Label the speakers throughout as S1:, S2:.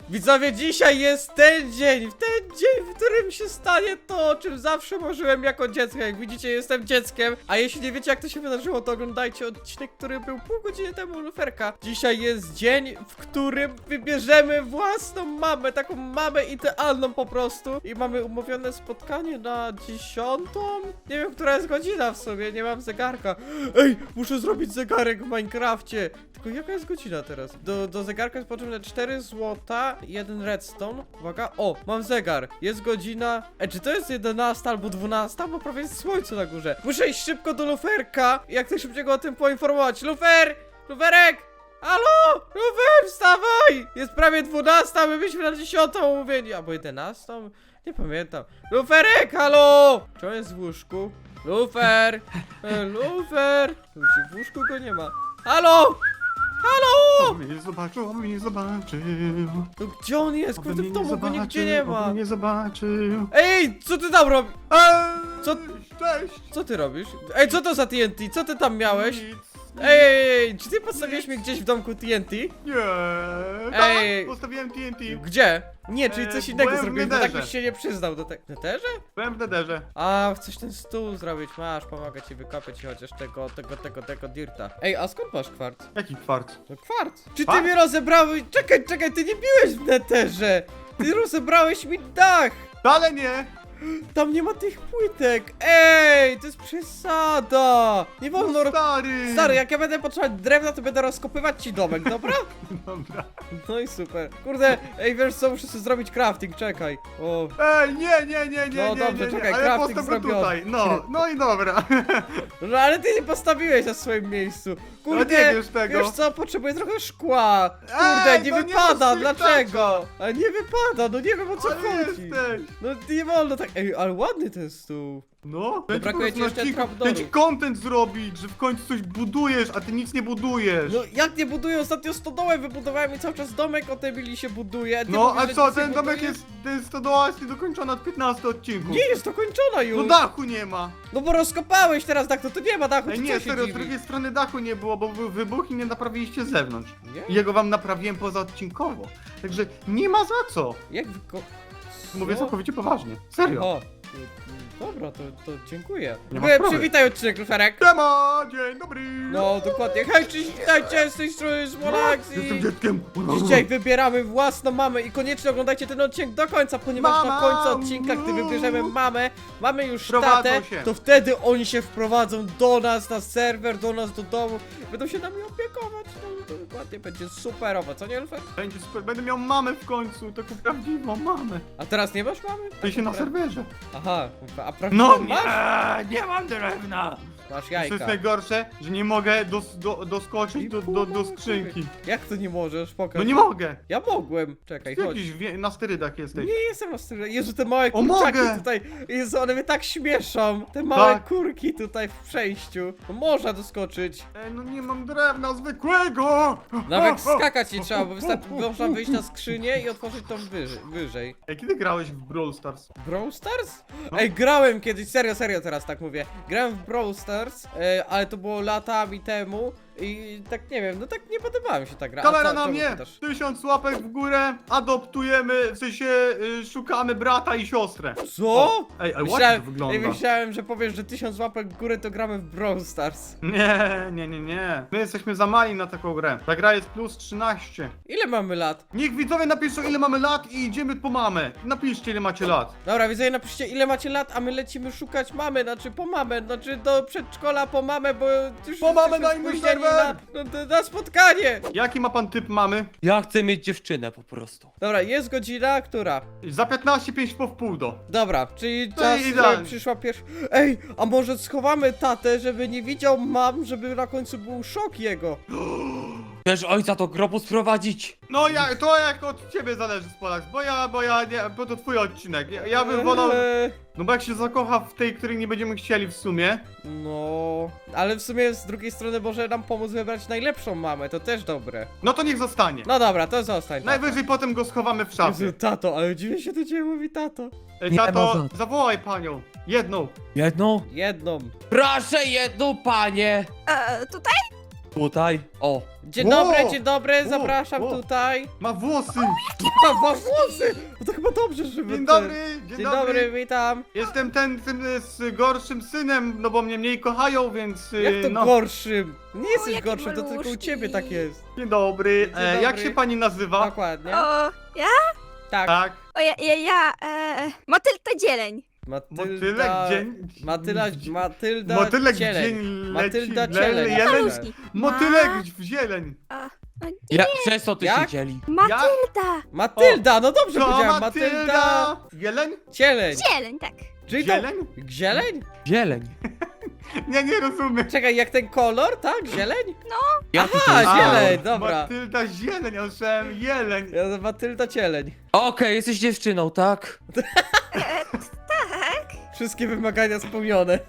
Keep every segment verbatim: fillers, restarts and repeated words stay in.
S1: Widzowie, dzisiaj jest ten dzień, w ten dzień, w którym się stanie to, o czym zawsze marzyłem jako dziecko. Jak widzicie, jestem dzieckiem, a jeśli nie wiecie, jak to się wydarzyło, to oglądajcie odcinek, który był pół godziny temu u Luferka. Dzisiaj jest dzień, w którym wybierzemy własną mamę, taką mamę idealną po prostu. I mamy umówione spotkanie na dziesiątą? Nie wiem, która jest godzina w sobie, nie mam zegarka. Ej, muszę zrobić zegarek w Minecrafcie. Tylko jaka jest godzina teraz? Do, do zegarka jest potrzebne cztery złota, jeden redstone. Uwaga, o, mam zegar. Jest godzina... Ej, czy to jest jedenasta albo dwunasta? Bo prawie jest słońce na górze. Muszę iść szybko do Luferka i jak najszybciej go o tym poinformować. Lufer! Luferek! Halo! Lufer, wstawaj! Jest prawie dwunasta, my byliśmy na dziesiątą umówieni. Albo jedenastą? Nie pamiętam. Luferek, halo! Czy on jest w łóżku? Lufer! E, Lufer! W łóżku go nie ma. Halo! Halo!
S2: On mnie nie zobaczył, on mnie nie zobaczył.
S1: No gdzie on jest?
S2: On
S1: Kurde,
S2: mnie
S1: w
S2: nie
S1: domu go nigdzie
S2: zobaczył,
S1: nie
S2: on
S1: ma.
S2: mnie nie zobaczył.
S1: Ej, co ty tam robisz?
S2: Eee,
S1: Co-
S2: Cześć!
S1: Co ty robisz? Ej, co to za T N T? Co ty tam miałeś?
S2: Nic.
S1: Ej, ej, ej, czy ty postawiłeś mnie gdzieś w domku T N T?
S2: Nie.
S1: Ej.
S2: Tak, postawiłem T N T.
S1: Gdzie? Nie, czyli
S2: Eee,
S1: coś innego
S2: byłem w
S1: zrobiłeś, bo tak
S2: Netherze.
S1: byś się nie przyznał do tego. Netherze?
S2: Byłem w nederze.
S1: A, chcesz ten stół zrobić, masz, pomogę ci wykopać chociaż tego, tego, tego, tego dirta. Ej, a skąd masz kwarc?
S2: Jaki kwarc?
S1: No kwarc. Czy ty
S2: Kwarc?
S1: mnie rozebrałeś? Czekaj, czekaj, ty nie biłeś w Netherze! Ty rozebrałeś mi dach!
S2: Wcale nie!
S1: Tam nie ma tych płytek! Ej, to jest przesada! Nie wolno...
S2: No
S1: ro-
S2: stary!
S1: Stary, jak ja będę potrzebować drewna, to będę rozkopywać ci domek, dobra?
S2: Dobra.
S1: No i super. Kurde, ej, wiesz co, muszę sobie zrobić crafting, czekaj. O,
S2: Ej, nie, nie, nie, nie,
S1: No
S2: nie,
S1: dobrze,
S2: nie, nie.
S1: czekaj,
S2: Ale
S1: crafting
S2: postaw go
S1: zrobiony.
S2: tutaj. No, no i dobra.
S1: no ale ty nie postawiłeś na swoim miejscu. Kurde,
S2: No nie wiesz tego.
S1: wiesz co, potrzebuję trochę szkła. Kurde,
S2: Ej,
S1: nie
S2: no nie
S1: wypada,
S2: masz
S1: dlaczego? Ale nie wypada, no nie wiem o co
S2: Ale
S1: chodzi.
S2: jesteś.
S1: No nie wolno tak, ej, ale ładny ten stół.
S2: No,
S1: To brakuje ci jeszcze
S2: Chcę
S1: trapdoorów.
S2: ci content zrobić, że w końcu coś budujesz, a ty nic nie budujesz.
S1: No jak nie buduję? Ostatnio stodołę wybudowałem i cały czas domek o tej willi się buduje. Ty
S2: No,
S1: mówisz,
S2: a
S1: że
S2: co,
S1: nic nie
S2: ten domek
S1: budujesz?
S2: jest, ten stodoła jest niedokończona od piętnastu odcinków.
S1: Nie jest dokończona już.
S2: No dachu nie ma.
S1: No bo rozkopałeś teraz dach, to tu nie ma dachu,
S2: Ej,
S1: czy
S2: nie,
S1: co się
S2: serio, z
S1: dziwisz?
S2: drugiej strony dachu nie było, bo był wybuch i nie naprawiliście z zewnątrz.
S1: Nie?
S2: I jego wam naprawiłem pozaodcinkowo. Także nie ma za co.
S1: Jak wyko...
S2: Mówię
S1: Co?
S2: całkowicie poważnie. Serio.
S1: O, y, y, dobra, to, to dziękuję.
S2: Nie ma
S1: Wy-
S2: sprawy.
S1: Przywitaj odcinek, Luferek.
S2: Siema, dzień dobry.
S1: No, dokładnie. Hej, cześć, witajcie, z tej strony Smolax
S2: Jestem
S1: i...
S2: dzieckiem.
S1: Dzisiaj wybieramy własną mamę i koniecznie oglądajcie ten odcinek do końca, ponieważ na
S2: Mama!
S1: końcu odcinka, gdy wybierzemy mamę, mamy już
S2: Wprowadzą
S1: tatę,
S2: się.
S1: to wtedy oni się wprowadzą do nas na serwer, do nas do domu, będą się nami opiekować, no to dokładnie będzie superowo, co nie, Lufer?
S2: Będzie super, będę miał mamę w końcu, taką prawdziwą mamę.
S1: A teraz nie masz mamy?
S2: To się na serwerze.
S1: Aha, a prawdziwą
S2: No
S1: masz?
S2: nie, nie mam drewna.
S1: Masz
S2: To jest
S1: jajka.
S2: najgorsze, że nie mogę dos, do, doskoczyć
S1: I
S2: do,
S1: pół
S2: do, do
S1: mamy
S2: skrzynki.
S1: kury. Jak to nie możesz? Pokaż.
S2: No nie mogę.
S1: Ja mogłem. Czekaj,
S2: Ty
S1: chodź.
S2: jakiś wie, na sterydach jesteś.
S1: Nie jestem na stronę. Jezu, te małe
S2: O,
S1: kurczaki
S2: mogę!
S1: tutaj. Jezu, one mnie tak śmieszą. Te małe
S2: Tak.
S1: kurki tutaj w przejściu. No można doskoczyć.
S2: Ej, no nie mam drewna zwykłego!
S1: Nawet skakać nie trzeba, bo wystarczy, można wyjść na skrzynię i otworzyć tą wyżej. wyżej.
S2: Ej, kiedy grałeś w Brawl Stars?
S1: Brawl Stars?
S2: No.
S1: Ej, grałem kiedyś, serio, serio teraz tak mówię. Grałem w Brawl Stars, e, ale to było latami temu i tak nie wiem, no tak nie podobała mi się ta gra. A
S2: Kamera
S1: co-
S2: na
S1: czemu
S2: mnie!
S1: pytasz?
S2: Tysiąc łapek w górę, adoptujemy, w sensie y, szukamy brata i siostrę.
S1: Co?
S2: Ej, ale ładnie
S1: Myślałem,
S2: to wygląda.
S1: ej, myślałem, że powiesz, że tysiąc łapek w górę to gramy w Brawl Stars.
S2: Nie, nie, nie, nie. My jesteśmy za mali na taką grę. Ta gra jest plus trzynaście.
S1: Ile mamy lat?
S2: Niech widzowie napiszą ile mamy lat i idziemy po mamę. Napiszcie ile macie lat.
S1: Dobra, widzowie, napiszcie ile macie lat, a my lecimy szukać mamy, znaczy po mamę, znaczy do przedszkola po mamę, bo już
S2: Po mamę
S1: jesteśmy
S2: na inny
S1: spóźnieni
S2: serwer!
S1: na, na, na spotkanie!
S2: Jaki ma pan typ mamy?
S3: Ja chcę mieć dziewczynę po prostu.
S1: Dobra, jest godzina, która?
S2: Za piętnaście, pięć po wpół do.
S1: Dobra, czyli
S2: To
S1: czas,
S2: idealnie.
S1: żeby przyszła pierwsza... Ej, a może schowamy tatę, żeby nie widział mam, żeby na końcu był szok jego?
S3: Chcesz ojca do grobu sprowadzić?
S2: No ja, to jak od ciebie zależy Spolax, bo ja, bo ja, nie, bo to twój odcinek. Ja, ja bym wolał,
S1: Eee,
S2: no bo jak się zakocha w tej, której nie będziemy chcieli w sumie.
S1: No, ale w sumie z drugiej strony może nam pomóc wybrać najlepszą mamę, to też dobre.
S2: No to niech zostanie.
S1: No dobra, to zostań. tato.
S2: Najwyżej potem go schowamy w szafie.
S1: Jezu, tato, ale dziwnie się do ciebie mówi tato.
S2: Ej,
S3: Nie
S2: tato,
S3: ma za co.
S2: zawołaj panią. Jedną.
S3: Jedną?
S1: Jedną.
S3: Proszę jedną, panie!
S4: E, tutaj?
S3: Tutaj. O.
S1: Dzień
S2: Ło!
S1: dobry, dzień dobry,
S2: Ło,
S1: zapraszam
S2: ło.
S1: tutaj.
S2: Ma włosy!
S1: A, masz włosy! No to chyba dobrze, że wy
S2: Dzień
S1: te-
S2: dobry, dzień,
S1: Dzień dobry, witam.
S2: Jestem ten, tym y, z gorszym synem, no bo mnie mniej kochają, więc y,
S1: Jak to
S2: no.
S1: gorszym? Nie jesteś
S4: jaki
S1: gorszy, to tylko u
S4: maluszki.
S1: ciebie tak jest.
S2: Dzień dobry.
S1: Dzień
S2: E, jak
S1: dobry.
S2: się pani nazywa?
S1: Dokładnie.
S4: O, ja?
S1: Tak.
S2: Tak.
S4: O, ja, ja, ja e, Matylda Dzieleń.
S2: Motylek dzień...
S1: Matyla, Matylda
S2: Motylek
S1: Cieleń.
S2: dzień leci,
S1: Matylda
S2: le-
S1: Cieleń.
S2: jeleń.
S4: Maluszki.
S2: Motylek
S4: Ma-
S2: w zieleń.
S4: A,
S3: Ja, przez co ty
S1: Jak?
S3: się dzieli?
S4: Matylda.
S1: Matylda, no dobrze
S2: To
S1: powiedziałem. Matylda
S2: Matylda! Jeleń?
S1: Cieleń.
S4: Dzieleń, tak.
S1: Czyli to...
S2: Zieleń?
S1: Zieleń?
S3: Zieleń.
S2: Nie, nie rozumiem.
S1: Czekaj, jak ten kolor, tak? Zieleń?
S3: Jaki to
S1: Aha,
S3: jest
S1: zieleń.
S3: kolor?
S1: dobra.
S2: Matylda zieleń, ja słyszałem jeleń.
S1: Ja Matylda Cieleń.
S3: Okej, jesteś dziewczyną, tak?
S4: E, tak.
S1: Wszystkie wymagania spełnione.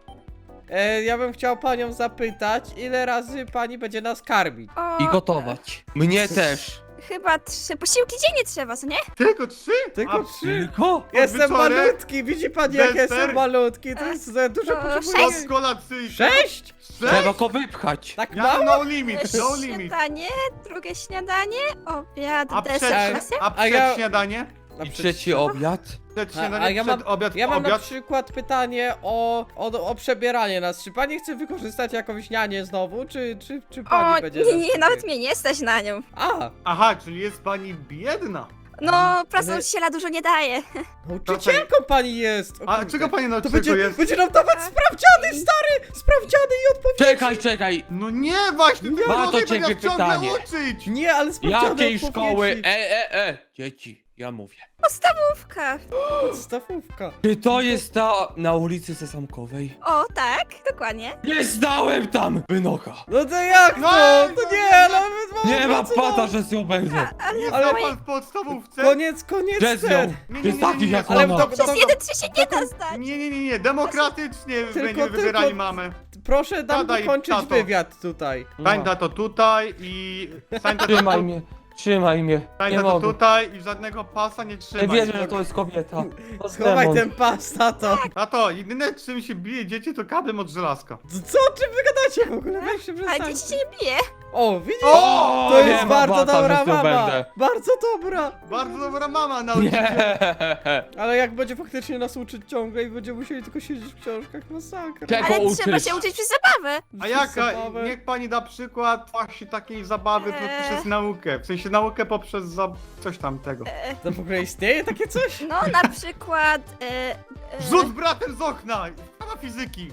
S1: E, ja bym chciał panią zapytać, ile razy pani będzie nas karmić?
S4: O,
S3: I gotować. Mnie też.
S4: Chyba trzy posiłki dziennie trzeba, co nie?
S2: Tylko trzy?
S1: Tylko
S2: A,
S1: trzy.
S3: Tylko?
S1: Jestem
S2: wieczorek?
S1: malutki, widzi pani jak
S2: Deser?
S1: jestem malutki, to jest za dużo
S4: To
S1: potrzebuję.
S4: sześć.
S2: Od kolacyjki.
S1: Sześć?
S3: Trzeba go wypchać.
S1: Tak
S2: Ja
S1: mało?
S2: no limit, no limit.
S4: Śniadanie, drugie śniadanie, obiad,
S2: A
S4: deser,
S2: przed,
S4: klasy.
S2: a
S1: A
S2: przed
S1: ja-
S2: śniadanie?
S1: Na
S3: I
S1: przykład-
S3: trzeci obiad.
S2: Przed
S1: A,
S2: śniadanie,
S1: a ja mam,
S2: przed obiad,
S1: ja mam na
S2: obiad.
S1: przykład pytanie o, o, o przebieranie nas. Czy pani chce wykorzystać jakąś nianię znowu, czy, czy, czy pani
S4: O,
S1: będzie
S4: nie,
S1: nas
S4: nie,
S1: tutaj-
S4: nawet mnie nie stać na nią.
S1: A,
S2: Aha, czyli jest pani biedna.
S4: No, praca nauczyciela dużo nie daje.
S1: nauczycielką pani jest! O
S2: A
S1: kurde.
S2: czego pani
S1: To
S2: nauczycielko
S1: będzie,
S2: jest?
S1: będzie nam dawać
S4: Tak.
S1: sprawdziany, stary! Sprawdziany i odpowiedzi!
S3: Czekaj, czekaj.
S2: No nie, właśnie, ty
S3: Ma to
S2: młody
S3: ciebie
S2: będziesz ciągle
S3: pytanie.
S2: uczyć.
S1: Nie, ale sprawdziany
S3: Jakiej
S1: odpowiedzi.
S3: szkoły? E, e, e. Dzieci, ja mówię.
S4: Podstawówka.
S1: Podstawówka.
S3: Czy to jest ta na ulicy Sesamkowej?
S4: O, tak, dokładnie.
S3: Nie znałem tam! Wynocha.
S1: No to jak
S2: No,
S1: to?
S2: no,
S1: To
S2: no,
S1: nie,
S2: no,
S1: nawet mam
S3: Nie ma
S1: pracować.
S3: pata, że z nią będzie.
S4: A, ale
S2: Jest
S1: Ale-
S2: ale... pan w podstawówce?
S1: Koniec, koniec
S3: Że z
S1: ten.
S3: nią.
S2: Nie, nie,
S3: Jest
S2: nie, nie,
S3: taki
S2: nie.
S3: jak
S1: Ale
S3: ona.
S1: to-
S4: przez jeden trzy się nie da zdać.
S2: Nie, nie, nie, nie, demokratycznie
S1: Tylko-
S2: będziemy
S1: tylko-
S2: wybierali mamę.
S1: Proszę nam
S2: Tata i
S1: dokończyć
S2: tato.
S1: wywiad tutaj.
S2: Stań to tutaj i... Stań to
S3: Trzymaj mnie, trzymaj mnie.
S2: Stań
S3: Nie
S2: to
S3: mogę.
S2: tutaj i żadnego pasa nie
S3: Nie
S2: trzymaj.
S3: wierzę, że to jest kobieta. To jest
S1: Schowaj
S3: demon.
S1: ten pas, tato.
S2: Tato, jedyne czym się bije dzieci to kablem od żelazka.
S1: Co, o czym wy gadacie w ogóle? Weź się
S4: Ale
S1: przestańcie.
S4: dzieci się nie bije.
S1: O, widzisz?
S2: O,
S1: To
S3: nie
S1: jest
S3: ma
S1: bardzo
S3: bata,
S1: dobra
S3: że z nią
S1: mama.
S3: będę.
S1: Bardzo dobra.
S2: Bardzo dobra mama nauczyciel.
S3: Nie.
S1: Ale jak będzie faktycznie nas uczyć ciągle i będziemy musieli tylko siedzieć w książkach, masakra.
S3: Czego
S4: Ale
S3: uczysz?
S4: trzeba się uczyć przez zabawę.
S2: A jaka?
S1: Zabawę.
S2: Niech pani da przykład właśnie takiej zabawy
S4: Eee.
S2: poprzez naukę. W sensie naukę poprzez za... coś tamtego.
S4: E,
S1: To w ogóle istnieje takie coś?
S4: no, na przykład... E, e,
S2: Rzut bratem z okna! Pana fizyki!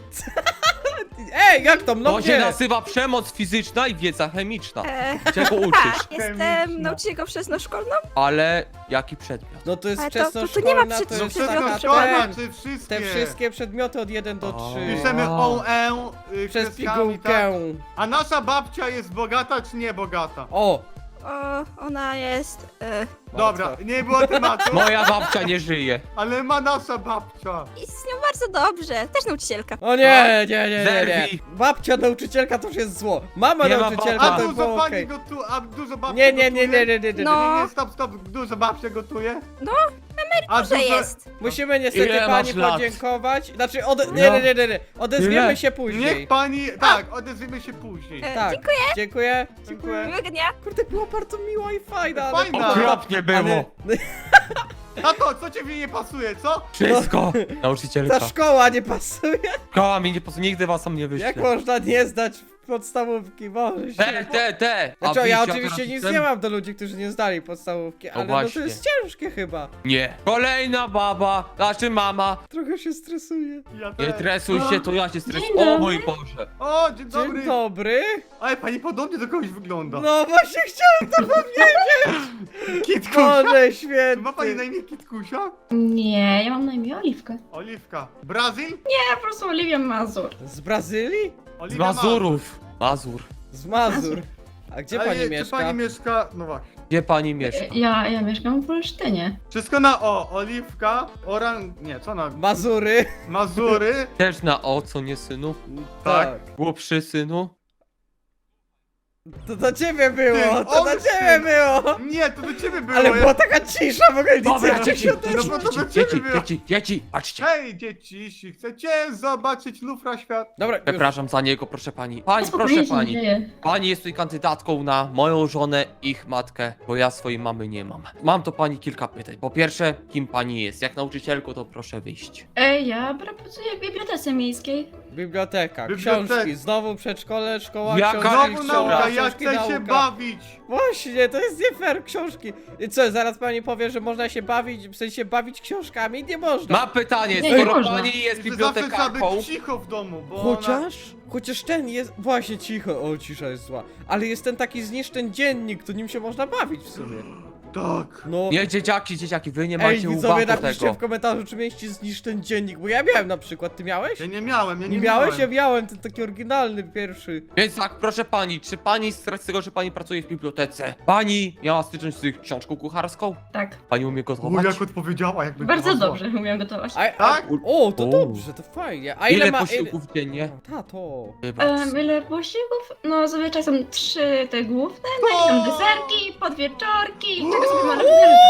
S1: Ej, jak to? No
S3: To się
S1: nie.
S3: nazywa przemoc fizyczna i wiedza chemiczna.
S4: e,
S3: Czego uczysz?
S4: tak, jestem
S2: Chemiczna.
S4: nauczycielką wczesnoszkolną.
S3: Ale jaki przedmiot?
S1: No to jest
S4: Ale to- to- to
S1: wczesnoszkolna,
S4: nie ma
S1: to
S4: przed-
S2: No
S1: jest
S4: przed-
S1: taka
S4: przed-
S2: szkolna,
S1: ten,
S2: czy wszystkie?
S1: te wszystkie przedmioty od jeden do
S3: O.
S1: trzy.
S2: Piszemy o, e, y,
S1: Przez
S2: kreskami,
S1: pigułkę.
S2: tak? A nasza babcia jest bogata czy nie bogata?
S1: O!
S4: O, ona jest... E,
S2: Dobra, nie było tematu,
S3: Moja babcia nie żyje.
S2: ale ma nasza babcia.
S4: I z nią bardzo dobrze. Też nauczycielka.
S1: O nie, nie, nie, nie, nie.
S3: Zerwij.
S1: Babcia nauczycielka to już jest zło. Mama
S3: Nie ma
S1: nauczycielka
S3: baba.
S2: A
S1: to
S2: dużo
S1: było
S2: pani
S1: okej.
S2: gotuje, a dużo babcia
S1: Nie, nie, nie,
S2: gotuje?
S1: nie, nie, nie, nie.
S4: No.
S2: Nie, nie, stop, stop, dużo babcia gotuje?
S4: No,
S2: A
S4: że
S2: dużo...
S4: jest.
S1: Musimy niestety
S3: Ile
S1: pani
S3: masz lat?
S1: podziękować. Znaczy, ode... nie, nie, nie, nie, nie. Odezwiemy
S3: Ile?
S1: się później.
S2: Niech pani... Tak, odezwiemy się później.
S4: E,
S1: Tak.
S4: Dziękuję.
S1: Dziękuję.
S2: Dziękuję.
S4: Miłego dnia.
S1: Kurde, była bardzo miła i fajna. ale-
S2: Fajna.
S3: Okropnie było.
S1: Ale
S2: Tato, co ciebie nie pasuje, co?
S3: Wszystko. Nauczycielka.
S1: ta szkoła nie pasuje.
S3: Szkoła mi nie posłucha, nigdy was tam nie
S1: Jak
S3: wyślę.
S1: można nie zdać podstawówki? Boże
S3: Te,
S1: się.
S3: te, te. A
S1: Znaczy, ja
S3: wiecie,
S1: oczywiście
S3: jak
S1: nic
S3: ten-
S1: nie mam do ludzi, którzy nie zdali podstawówki, ale no to
S3: właśnie.
S1: jest ciężkie chyba.
S3: Nie. Kolejna baba, znaczy mama.
S1: Trochę się stresuję.
S2: Ja
S3: Nie
S2: też.
S3: tresuj się, to ja się stresuję.
S5: Dzień
S3: O
S5: dobry.
S3: mój Boże.
S2: O, dzień dobry.
S1: Dzień dobry.
S2: Ale pani podobnie do kogoś wygląda.
S1: No właśnie chciałem to powiedzieć.
S2: Kitkusia?
S1: Boże
S2: Czy ma pani na
S1: święty.
S2: imię Kitkusia?
S5: Nie, ja mam na imię Oliwkę.
S2: Oliwka. Brazil?
S5: Nie, po prostu Oliwia Mazur.
S1: Z Brazylii?
S3: Z
S2: Oliwia
S3: Mazurów. Mazur.
S1: Z Mazur. A gdzie
S2: Ale
S1: pani
S2: nie, Czy
S1: mieszka?
S2: pani mieszka... No właśnie.
S3: Gdzie pani mieszka?
S5: Ja, ja mieszkam w Olsztynie.
S2: Wszystko na O. Oliwka, Oran... Nie, co na...
S1: Mazury.
S2: Mazury.
S3: Też na o, co nie synu?
S2: Tak.
S3: Głupszy synu?
S1: To do ciebie było,
S2: Ty,
S1: to do
S2: olszy.
S1: ciebie było!
S2: Nie, to do ciebie było.
S1: Ale
S2: ja-
S1: była taka cisza w ogóle, nic
S3: Dobra,
S1: nie
S3: dzieci,
S1: się
S3: dzieci,
S2: No bo to do
S3: dzieci,
S2: ciebie
S3: dzieci,
S2: było.
S3: dzieci, dzieci, patrzcie.
S2: Hej, dzieci, jeśli chcecie zobaczyć lufra świat.
S1: Dobra, już.
S3: Przepraszam za niego, proszę pani. Pani,
S5: Spokojnie
S3: proszę
S5: się nie
S3: pani.
S5: dzieje.
S3: Pani jest tutaj kandydatką na moją żonę, ich matkę, bo ja swojej mamy nie mam. Mam do pani kilka pytań. Po pierwsze, kim pani jest? Jak nauczycielko, to proszę wyjść.
S5: Ej, ja pracuję w bibliotece miejskiej.
S1: Biblioteka,
S2: Biblioteka.
S1: książki, znowu przedszkole, szkoła,
S3: Jaka-
S1: książki,
S2: Znowu
S1: szkoła,
S2: nauka, ja
S1: książki,
S2: chcę się
S1: nauka.
S2: bawić.
S1: Właśnie, to jest nie fair, książki. I co, zaraz pani powie, że można się bawić, w sensie bawić książkami? Nie można.
S3: Mam pytanie,
S5: Nie, nie
S3: skoro
S5: można.
S3: pani jest
S2: Że zawsze trzeba
S3: bibliotekarką,
S2: być cicho w domu, bo ona...
S1: Chociaż, chociaż ten jest, właśnie cicho, o cisza jest zła, ale jest ten taki zniszcz ten dziennik, to nim się można bawić w sumie.
S2: Tak.
S1: No,
S3: nie dzieciaki, dzieciaki, wy nie
S1: ej,
S3: macie
S1: widzowie,
S3: uwagi
S1: napiszcie
S3: tego.
S1: w komentarzu, czy mieliście zniszcz ten dziennik, bo ja miałem na przykład, ty miałeś?
S2: Ja nie miałem, ja nie,
S1: Nie miałeś? Ja
S2: miałem.
S1: miałem, ten taki oryginalny pierwszy.
S3: Więc tak, proszę pani, czy pani z racji tego, że pani pracuje w bibliotece, pani miała styczność z książką kucharską?
S5: Tak.
S3: Pani umie
S2: U,
S3: gotować?
S2: jak odpowiedziała, jakby
S5: Bardzo
S2: była
S5: dobrze umiem gotować.
S1: A, a,
S2: Tak?
S1: o, to
S3: O.
S1: dobrze, to fajnie. A ile,
S3: Ile
S1: ma...
S3: posiłków dziennie?
S1: Ile... Tato.
S5: Um, ile posiłków? No zazwyczaj są trzy te główne, no i są deserki, podwieczorki, czego sobie można wybrać.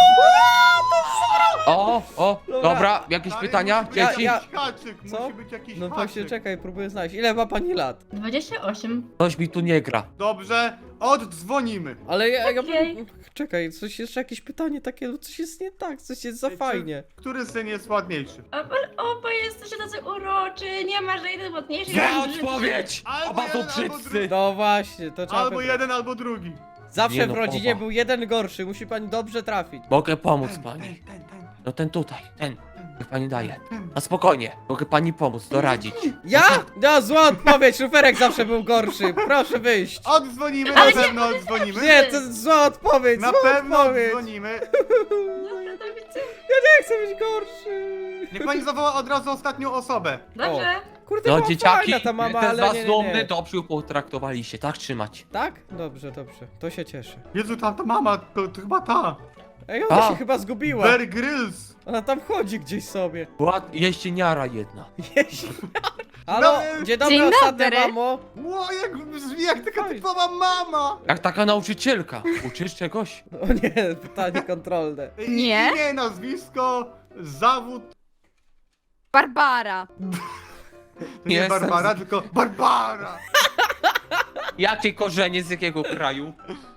S3: O, o,
S1: Dobra.
S3: dobra, jakieś
S2: Ale
S3: pytania?
S2: musi być
S1: Ja-
S3: Dzieci?
S1: ja-
S2: jakiś haczyk,
S1: Co?
S2: musi być jakiś
S1: No właśnie,
S2: haczyk.
S1: czekaj, próbuję znaleźć. Ile ma pani lat?
S5: dwadzieścia osiem.
S3: Coś mi tu nie gra.
S2: Dobrze, oddzwonimy.
S1: Ale ja, ja
S5: Okej.
S1: bym... Czekaj, coś jeszcze, jakieś pytanie takie, no coś jest nie tak, coś jest za
S2: Ej, czy-
S1: fajnie.
S2: Który syn jest ładniejszy?
S5: A, Ale oboje jesteście tacy uroczy, nie ma żadnej ładniejszej.
S3: Zła
S5: ani brzydszej.
S3: odpowiedź!
S2: Albo
S3: Oba są
S2: jeden, albo
S3: brzydcy!
S2: drugi.
S1: No właśnie, to trzeba...
S2: Albo
S1: wybrać.
S2: jeden, albo drugi.
S1: Zawsze
S3: Nie no,
S1: w rodzinie
S3: oba.
S1: był jeden gorszy, musi pani dobrze trafić.
S3: Mogę pomóc
S2: Ten,
S3: pani.
S2: ten, ten, ten,
S3: No ten tutaj, ten. Niech pani daje.
S2: ten.
S3: Na spokojnie, mogę pani pomóc, doradzić.
S1: Ja? No, zła odpowiedź, Luferek zawsze był gorszy, proszę wyjść.
S2: Oddzwonimy,
S5: Ale
S2: na
S5: nie,
S2: pewno oddzwonimy.
S1: Nie, to jest zła odpowiedź,
S2: Na
S1: zła
S2: pewno
S1: odpowiedź.
S2: oddzwonimy.
S5: Dobra, to widzę.
S1: Nie chcę być gorszy.
S2: Niech pani zawoła od razu ostatnią osobę.
S5: Dobrze.
S1: Kurde,
S3: No
S1: była
S3: dzieciaki,
S1: fajna ta mama,
S3: ten z
S1: ale
S3: was
S1: nie, nie,
S3: dumny,
S1: nie.
S3: dobrze ją potraktowaliście, tak trzymać.
S1: Tak? Dobrze, dobrze, to się cieszę.
S2: Jezu, tam ta mama, to, to chyba ta.
S1: Ej, ona
S3: A.
S1: się chyba zgubiła.
S2: Bear Grylls.
S1: Ona tam chodzi gdzieś sobie.
S3: Była jeździeniara jedna.
S1: Jeśli... Halo,
S2: No,
S1: dzień dobry,
S4: dzień
S1: ostatnia
S4: dobry.
S1: mamo.
S2: Ło, jak brzmi jak taka
S1: Fajnie.
S2: typowa mama.
S3: Jak taka nauczycielka. Uczysz czegoś?
S1: O nie, pytanie kontrolne.
S2: I-
S4: Nie?
S2: Imię, nazwisko, zawód.
S4: Barbara.
S2: To nie
S3: Jestem
S2: Barbara,
S3: z-
S2: tylko Barbara.
S3: Jakie korzenie, z jakiego kraju?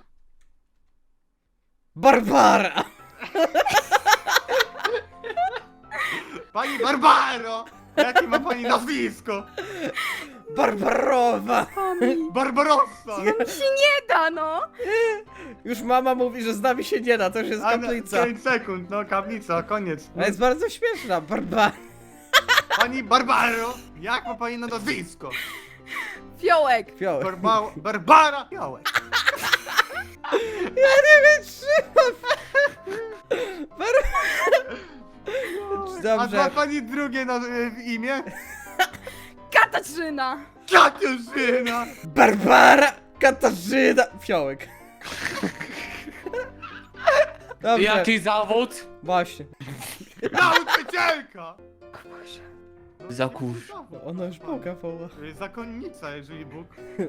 S1: Barbara!
S2: Pani Barbaro. Jakie ma pani nazwisko?
S1: Barbarowa!
S2: Barbarossa.
S4: się nie da, no.
S1: Już mama mówi, że z nami się nie da, to już jest
S2: A, na-
S1: kaplica.
S2: pięć sekund, no kaplica, koniec.
S1: A jest bardzo śmieszna, Barbara.
S2: Pani Barbaro, jak ma pani na nazwisko?
S4: Fiołek.
S1: Fiołek.
S2: Barba Barbara Białek.
S1: Ja nie wytrzymam! Bar...
S2: A ma
S1: Dobrze.
S2: pani drugie na, y, imię?
S4: Katarzyna.
S2: Katarzyna.
S1: Barbara Katarzyna Fiołek. Dobrze,
S3: Jaki zawód?
S1: właśnie.
S2: Nauczycielka.
S3: Za kurz.
S1: Ona już Boga woła.
S2: Y, Zakonnica, jeżeli Bóg.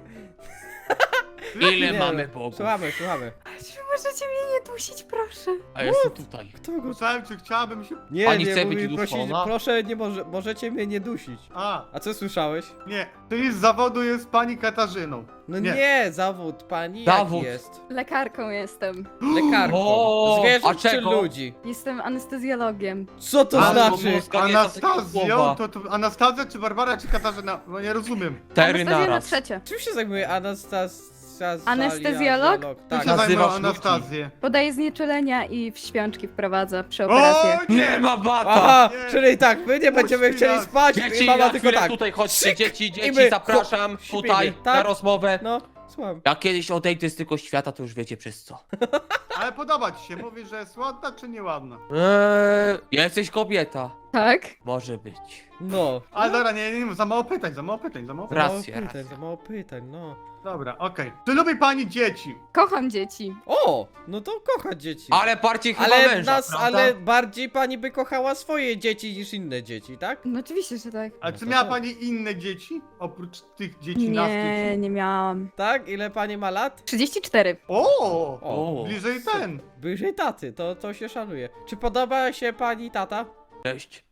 S3: Ile
S1: Nie,
S3: mamy
S1: no.
S3: bogów?
S1: Słuchamy, słuchamy.
S4: Czy możecie mnie nie dusić, proszę?
S3: A jestem tutaj.
S1: Kto go...
S2: Słyszałem, czy chciałabym się...
S1: Nie,
S3: Pani
S1: nie,
S3: chce
S1: mówi,
S3: być
S1: prosić,
S3: uduszona?
S1: proszę, nie może, możecie mnie nie dusić.
S2: A,
S1: A co słyszałeś?
S2: nie. Czyli z zawodu jest pani Katarzyną.
S1: No nie,
S2: Nie.
S1: zawód, pani
S3: Zawód.
S1: jaki jest?
S4: Lekarką jestem.
S1: Lekarką.
S3: O,
S1: Zwierząt
S3: a
S1: czy
S3: czego?
S1: ludzi?
S4: Jestem anestezjologiem.
S1: Co to
S3: Ale
S1: znaczy?
S3: mózga nie są takie
S2: Anastazją?
S3: słowa.
S2: To, to Anastazja, czy Barbara, czy Katarzyna? No nie rozumiem.
S3: Cztery
S4: Anastazja na
S3: naraz.
S4: trzecie.
S1: Czym się zajmuje Anastazja?
S4: Anestezjolog?
S2: Tu
S1: Tak.
S2: się zajmą
S3: Nazywasz ludzi.
S2: Anastazję.
S4: Podaje znieczulenia i w śpiączki wprowadza przy operacjach.
S2: O,
S3: Nie ma bata!
S1: Aha,
S2: Nie.
S1: czyli tak, my nie będziemy
S2: Puść
S1: chcieli
S2: nas.
S1: spać
S3: Dzieci,
S1: i mama
S3: na
S1: tylko
S3: chwilę
S1: tak.
S3: tutaj chodźcie,
S1: Syk!
S3: dzieci,
S1: I
S3: dzieci,
S1: my,
S3: zapraszam
S1: hop,
S3: tutaj
S1: śpimy, tak?
S3: na rozmowę.
S1: No, słucham.
S3: Jak kiedyś odejdę z tego świata, to już wiecie przez co.
S2: Ale podoba ci się, mówisz, że jest ładna, czy nieładna?
S3: Eee, jesteś kobieta.
S4: Tak?
S3: Może być.
S1: No.
S2: Ale dobra, nie, nie, nie, za mało pytań, za mało pytań, za mało pytań.
S3: Racja,
S1: za mało pytań,
S3: racja.
S1: za mało pytań, no.
S2: Dobra, okej. Czy lubi pani dzieci?
S4: Kocham dzieci.
S1: O, no to kocha dzieci.
S3: Ale bardziej chyba
S1: ale
S3: męża,
S1: nas,
S3: prawda?
S1: ale bardziej pani by kochała swoje dzieci niż inne dzieci, tak?
S4: No oczywiście, że tak.
S2: A
S1: No
S2: czy
S1: to
S2: miała
S1: tak.
S2: pani inne dzieci? Oprócz tych dzieci, nas
S4: Nie,
S2: dzieci?
S4: nie miałam.
S1: Tak? Ile pani ma lat?
S4: trzydzieści cztery.
S2: O!
S1: O,
S2: Bliżej ten.
S1: bliżej taty, to, to się szanuje. Czy podoba się pani tata?
S3: Cześć.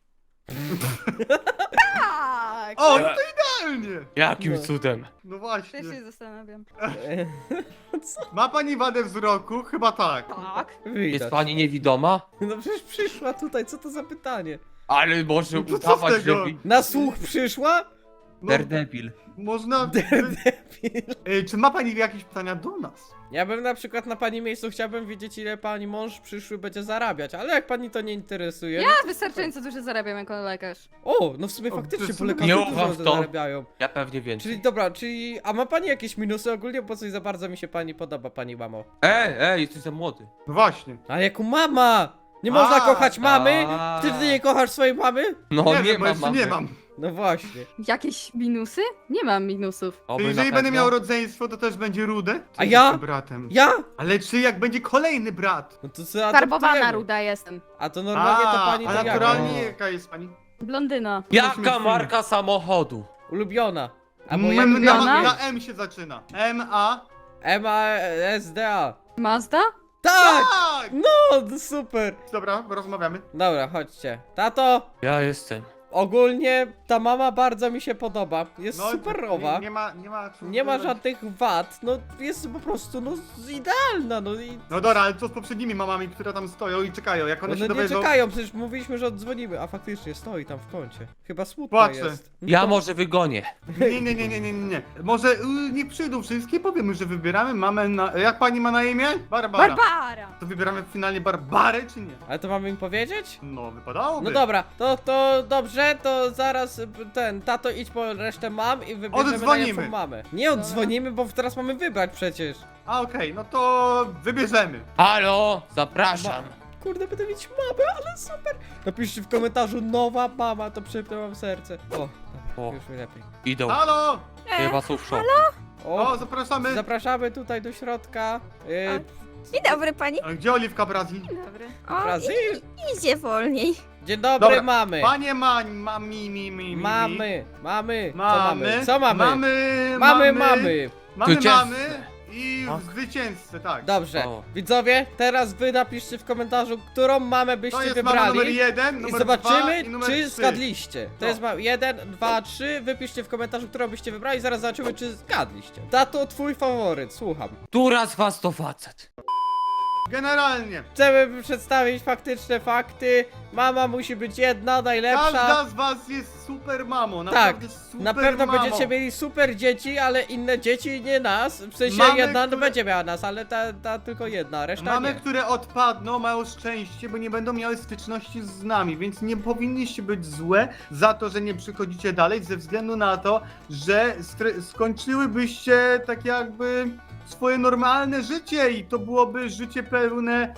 S4: Tak!
S2: O, no to idealnie!
S3: Jakim
S1: No.
S3: cudem?
S2: No właśnie.
S4: Też się zastanawiam.
S2: Ma pani wadę wzroku? Chyba tak.
S4: Tak.
S3: Jest
S1: Widać.
S3: pani niewidoma?
S1: No przecież przyszła tutaj, co to za pytanie?
S3: Ale może
S2: No to co z
S3: udawać, że...
S2: tego?
S3: wi-
S1: Na słuch przyszła?
S2: No,
S3: Daredevil.
S2: można... Ej, czy ma pani jakieś pytania do nas?
S1: Ja bym na przykład na pani miejscu chciałbym wiedzieć, ile pani mąż przyszły będzie zarabiać, ale jak pani to nie interesuje.
S4: Ja wystarczająco dużo zarabiam jako lekarz.
S1: O, no w sumie
S2: O,
S1: faktycznie
S2: to
S1: po
S2: są-
S1: lekarzu
S3: Nie
S1: dużo
S3: ufam w to.
S1: zarabiają.
S3: Ja pewnie więcej.
S1: Czyli dobra, czyli... A ma pani jakieś minusy ogólnie? Bo coś za bardzo mi się pani podoba, pani mamo.
S3: Ej, ej, jesteś za młody.
S2: No właśnie.
S1: Ale jako mama! Nie można
S2: A,
S1: kochać mamy?
S3: a.
S1: Ty, ty nie kochasz swojej mamy?
S3: No
S2: nie,
S3: nie,
S2: wiem, bo
S3: ma
S2: jeszcze
S3: mamy.
S2: nie mam.
S1: No właśnie.
S4: Jakieś minusy? Nie mam minusów.
S3: Oby
S2: Jeżeli
S3: na
S2: będę
S3: pewno.
S2: miał rodzeństwo, to też będzie rude? Czy
S1: A ja?
S2: jestem bratem?
S1: Ja?
S2: Ale czy jak będzie kolejny brat?
S1: No to co
S4: Farbowana
S1: adoptujemy?
S4: ruda jestem.
S1: A to normalnie to
S2: A,
S1: pani
S2: a
S1: to jaka?
S2: naturalnie jaka jest pani?
S4: Blondyna.
S3: Jaka marka samochodu?
S1: Ulubiona. Albo
S2: M,
S1: jak
S2: na,
S4: ulubiona?
S2: na M się zaczyna. M, A.
S1: M A S D A.
S4: Mazda?
S1: Tak!
S2: Tak!
S1: No, to super.
S2: Dobra, rozmawiamy.
S1: Dobra, chodźcie. Tato,
S3: Ja jestem.
S1: ogólnie ta mama bardzo mi się podoba. Jest
S2: No,
S1: superowa.
S2: Nie, nie ma, nie ma. co
S1: Nie ma
S2: dodać.
S1: żadnych wad, no jest po prostu, no idealna, no i...
S2: No dobra, ale co z poprzednimi mamami, które tam stoją i czekają? Jak one
S1: One
S2: się
S1: nie
S2: dowiedzą...
S1: czekają, przecież mówiliśmy, że oddzwonimy, a faktycznie stoi tam w kącie. Chyba smutna
S2: Płacze.
S1: jest.
S3: Ja
S1: No,
S3: może wygonię.
S2: Nie, nie, nie, nie, nie, nie, nie. Może y, nie przyjdą wszystkie, powiemy, że wybieramy mamę na... Jak pani ma na imię? Barbara.
S4: Barbara!
S2: To wybieramy finalnie Barbarę, czy nie?
S1: Ale to mamy im powiedzieć?
S2: No, wypadałoby.
S1: No dobra, to, to dobrze, to zaraz y, ten, tato idź po resztę mam i wybierzemy
S2: Oddzwonimy.
S1: najlepszą mamę. Nie oddzwonimy, bo teraz mamy wybrać przecież.
S2: A okej, no to wybierzemy.
S3: Halo, zapraszam.
S1: Kurde, będę mieć mamę, ale super. Napiszcie w komentarzu nowa mama, to przypnę wam serce. O, dobra,
S3: O.
S1: już mi lepiej.
S3: Idą.
S2: Halo!
S3: Chyba są w szoku.
S1: O,
S2: O, zapraszamy.
S1: zapraszamy tutaj do środka. Y,
S6: Dzień dobry pani.
S2: A Gdzie Oliwka Brazil?
S4: Dobry.
S6: O,
S1: Brazil.
S6: i- idzie wolniej.
S1: Dzień dobry,
S2: Dobra,
S1: mamy.
S2: Panie ma, ma mi, mi, mi, mi.
S1: Mamy, mamy. Co
S2: Mamy.
S1: mamy? Co mamy?
S2: Mamy,
S1: Mamy, mamy.
S2: Mamy,
S3: Zwycięzcę.
S2: mamy i
S3: Tak.
S2: zwycięzcę, tak.
S1: Dobrze,
S3: O.
S1: widzowie, teraz wy napiszcie w komentarzu, którą mamę
S2: To
S1: byście
S2: jest mama numer
S1: wybrali.
S2: jeden,
S1: I
S2: numer
S1: zobaczymy,
S2: dwa i numer
S1: czy
S2: trzy.
S1: zgadliście. To
S2: No.
S1: jest ma jeden, dwa, trzy. Wypiszcie w komentarzu, którą byście wybrali. Zaraz zobaczymy, czy zgadliście. Tato, twój faworyt, słucham.
S3: Która z was to facet?
S2: Generalnie.
S1: Chcemy przedstawić faktyczne fakty. Mama musi być jedna, najlepsza.
S2: Każda z was jest super mamą,
S1: Tak,
S2: naprawdę super
S1: na pewno
S2: mamą.
S1: będziecie mieli super dzieci, ale inne dzieci nie nas. W sensie
S2: Mamy,
S1: jedna no
S2: które-
S1: będzie miała nas, ale ta, ta tylko jedna, reszta
S2: Mamy,
S1: nie.
S2: które odpadną, mają szczęście, bo nie będą miały styczności z nami, więc nie powinniście być złe za to, że nie przychodzicie dalej, ze względu na to, że stre- skończyłybyście tak jakby swoje normalne życie i to byłoby życie pełne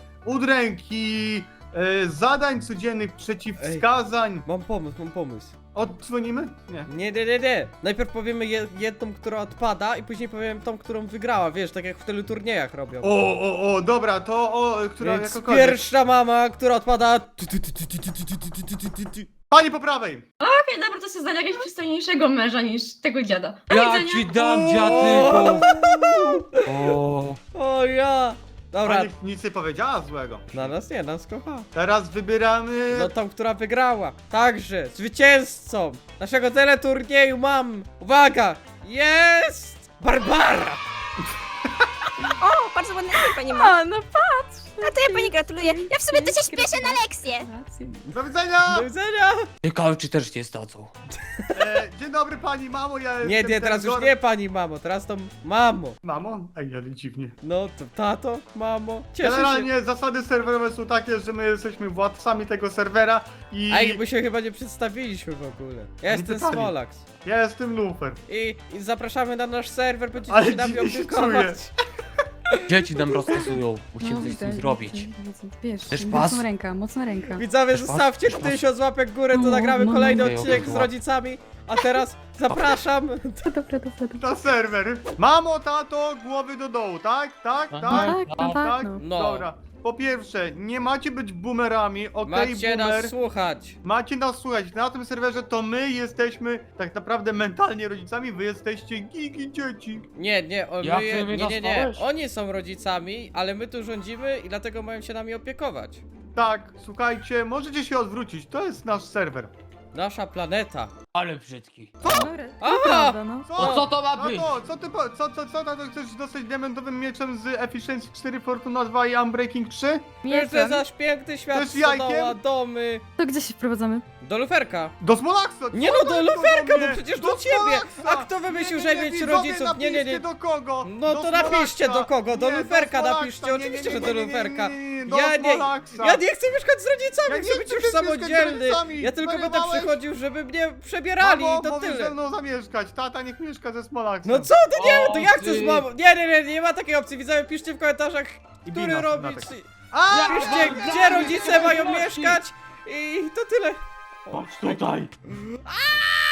S2: udręki, e, zadań codziennych, przeciwwskazań.
S1: Mam pomysł, mam pomysł.
S2: Oddzwonimy? Nie.
S1: Nie, nie, nie, nie. Najpierw powiemy je, jedną, która odpada i później powiem tą, którą wygrała, wiesz, tak jak w teleturniejach robią.
S2: O, o, o, dobra, to o, która
S1: Więc
S2: jakakolwiek.
S1: pierwsza mama, która odpada...
S2: Pani po prawej!
S5: Okej, dobra, to sobie znajdę jakiegoś przystojniejszego męża niż tego dziada. Do
S3: Ja
S5: widzenia.
S3: ci dam dziadyku. O.
S1: O ja! Dobra,
S2: Pani nic nie powiedziała złego.
S1: na nas nie, nas kocha.
S2: Teraz wybieramy...
S1: No tą, która wygrała. Także, zwycięzcą naszego teleturnieju mam, uwaga, jest Barbara!
S6: O, bardzo ładny film pani ma.
S4: A, no patrz!
S6: A to ja pani gratuluję. Ja w sumie to się śpieszę na lekcję.
S2: Do widzenia!
S1: Do widzenia!
S3: Ciekawe, czy też nie zdadzą.
S2: E, dzień dobry pani mamo, ja
S1: Nie,
S2: jestem
S1: nie, teraz
S2: ten
S1: już
S2: Gor-
S1: nie pani mamo, teraz to mamo.
S2: Mamo? Ej, ale dziwnie.
S1: No to tato, mamo, cieszę się.
S2: Generalnie zasady serwerowe są takie, że my jesteśmy władcami tego serwera i
S1: A jakby się chyba nie przedstawiliśmy w ogóle. Ja jestem
S2: pytali.
S1: Smolax.
S2: ja jestem Lufer.
S1: I, I zapraszamy na nasz serwer, będziecie
S2: Ale
S1: się nami
S2: dziwnie się
S1: opiekować.
S3: Dzieci nam rozkazują. Musimy
S4: No,
S3: coś z
S4: widzę,
S3: tym zrobić.
S4: widzę, widzę. Wiesz,
S3: Chcesz pas?
S4: mocna ręka, mocna ręka.
S1: Widzowie,
S3: Też
S1: zostawcie
S3: pas? Też pas?
S1: tysiąc łapek w górę, to
S4: No,
S1: nagramy
S4: no,
S1: kolejny
S3: okej,
S1: odcinek
S3: okej,
S1: z
S3: łap.
S1: rodzicami. A teraz zapraszam.
S4: Dobra, dobra, dobra.
S2: Na serwer. Mamo, tato, głowy do dołu, tak? Tak?
S3: No,
S2: Tak?
S4: Tak, no, tak,
S2: Tak?
S4: no.
S1: No.
S2: Dobra. Po pierwsze, nie macie być boomerami, okej,
S1: Macie
S2: boomer.
S1: nas słuchać.
S2: Macie nas słuchać. Na tym serwerze to my jesteśmy tak naprawdę mentalnie rodzicami, wy jesteście gigi dzieci.
S1: Nie, nie, o,
S3: Jak
S1: my,
S3: ty mnie
S1: nie, nie, nie.
S3: nazwałeś?
S1: Oni są rodzicami, ale my tu rządzimy i dlatego mają się nami opiekować.
S2: Tak, słuchajcie, możecie się odwrócić, to jest nasz serwer.
S1: Nasza planeta.
S3: Ale brzydki.
S4: Dobra,
S1: Aha!
S4: to prawda, no.
S3: No co to ma być?
S2: Tato, co ty, po- co, co, co, tato, chcesz dostać diamentowym mieczem z Efficiency cztery, Fortuna dwa i Unbreaking trzy?
S1: Jeszcze
S4: Mieczem.
S1: zaś piękny świat,
S2: Też jajkiem?
S1: stodoła, domy.
S4: To gdzie się wprowadzamy?
S1: Do luferka.
S2: Do Smolaksa!
S1: Nie
S2: Co
S1: no,
S2: to
S1: do
S2: jest
S1: luferka,
S2: do
S1: bo
S2: mnie?
S1: przecież
S2: Do
S1: do ciebie.
S2: Smolaksa!
S1: A kto wymyślił,
S2: Nie,
S1: że
S2: nie, nie,
S1: mieć
S2: widzowie,
S1: rodziców? Nie, nie, nie.
S2: napiszcie do kogo?
S1: No
S2: Do
S1: to napiszcie
S2: Smolaksa.
S1: do kogo, do
S2: Nie,
S1: luferka
S2: Smolaksa.
S1: napiszcie,
S2: Nie, nie,
S1: oczywiście,
S2: nie,
S1: że
S2: nie,
S1: do
S2: nie, nie,
S1: luferka.
S2: nie, nie, nie, do
S1: Ja nie,
S2: Smolaksa.
S1: ja nie chcę mieszkać z rodzicami,
S2: Ja nie
S1: chcę być
S2: chcę
S1: już
S2: też mieszkać z
S1: samodzielny.
S2: rodzicami.
S1: Ja tylko będę
S2: Zwariowałeś?
S1: przychodził, żeby mnie przebierali
S2: Mamo,
S1: i to
S2: możesz ze
S1: tyle.
S2: mną zamieszkać, tata niech mieszka ze Smolaksem.
S1: No co ty nie, to ja chcę z
S3: ty.
S1: mamą. Nie, nie, nie, nie ma takiej opcji. Widzowie, piszcie w komentarzach,
S2: I
S1: który
S2: bina,
S1: robić.
S2: Natek. A,
S1: Piszcie, gdzie rodzice mają mieszkać i to tyle.
S3: Chodź tutaj.